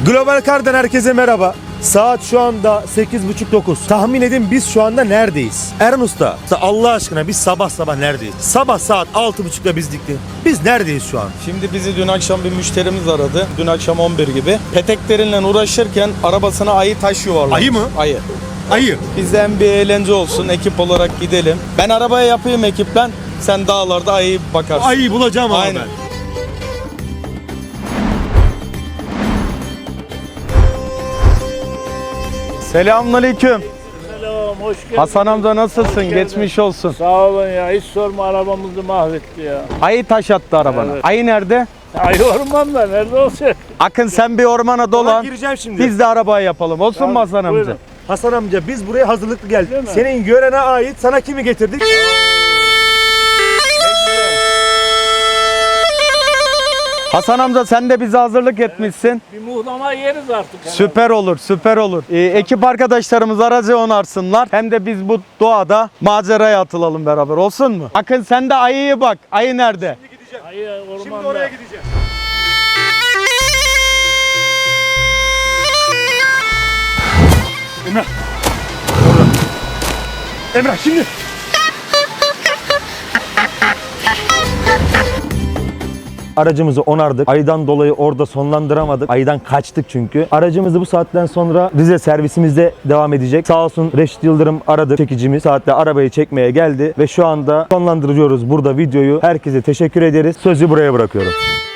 Global Car'dan herkese merhaba. Saat şu anda 8.30-9. Tahmin edin biz şu anda neredeyiz? Eren Usta, Allah aşkına biz sabah neredeyiz? Sabah saat 6.30'da biz dikti. Biz neredeyiz şu an? Şimdi bizi dün akşam bir müşterimiz aradı. Dün akşam 11 gibi. Peteklerinle uğraşırken arabasına ayı taş yuvarlamış. Ayı mı? Ayı. Ayı. Bizden bir eğlence olsun. Ekip olarak gidelim. Ben arabaya yapayım ekipten. Sen dağlarda ayı bakarsın. Ayıyı bulacağım ama Aynen. ben. Selamünaleyküm. Selam, hoş geldin. Hasan amca nasılsın? geldin. Geçmiş olsun. Sağ olun ya, hiç sorma, arabamızı mahvetti ya. Ayı taş attı arabana. Evet. Ayı nerede? Ay ormanda nerede olacak? Akın sen bir ormana Ulan dolan. gireceğim şimdi. Biz de arabaya yapalım. Olsun mu Hasan amca? Buyurun. Hasan amca biz buraya hazırlıklı geldik. Değil mi? Senin yörene ait sana kimi getirdik? Hasan amca sen de bize hazırlık etmişsin. Bir muhlama yeriz artık. Süper olur, süper olur. Ekip arkadaşlarımız aracı onarsınlar. Hem de biz bu doğada maceraya atılalım beraber. Olsun mu? Akın sen de ayıya bak. Ayı nerede? Ay ormanda. Şimdi oraya gideceğim. Emrah. Emrah şimdi. Aracımızı onardık. Aydan dolayı orada sonlandıramadık. Aydan kaçtık çünkü. Aracımızı bu saatten sonra Rize servisimizde devam edecek. Sağ olsun Reşit Yıldırım aradı, çekicimiz. Saatte arabayı çekmeye geldi ve şu anda sonlandırıyoruz burada videoyu. Herkese teşekkür ederiz. Sözü buraya bırakıyorum.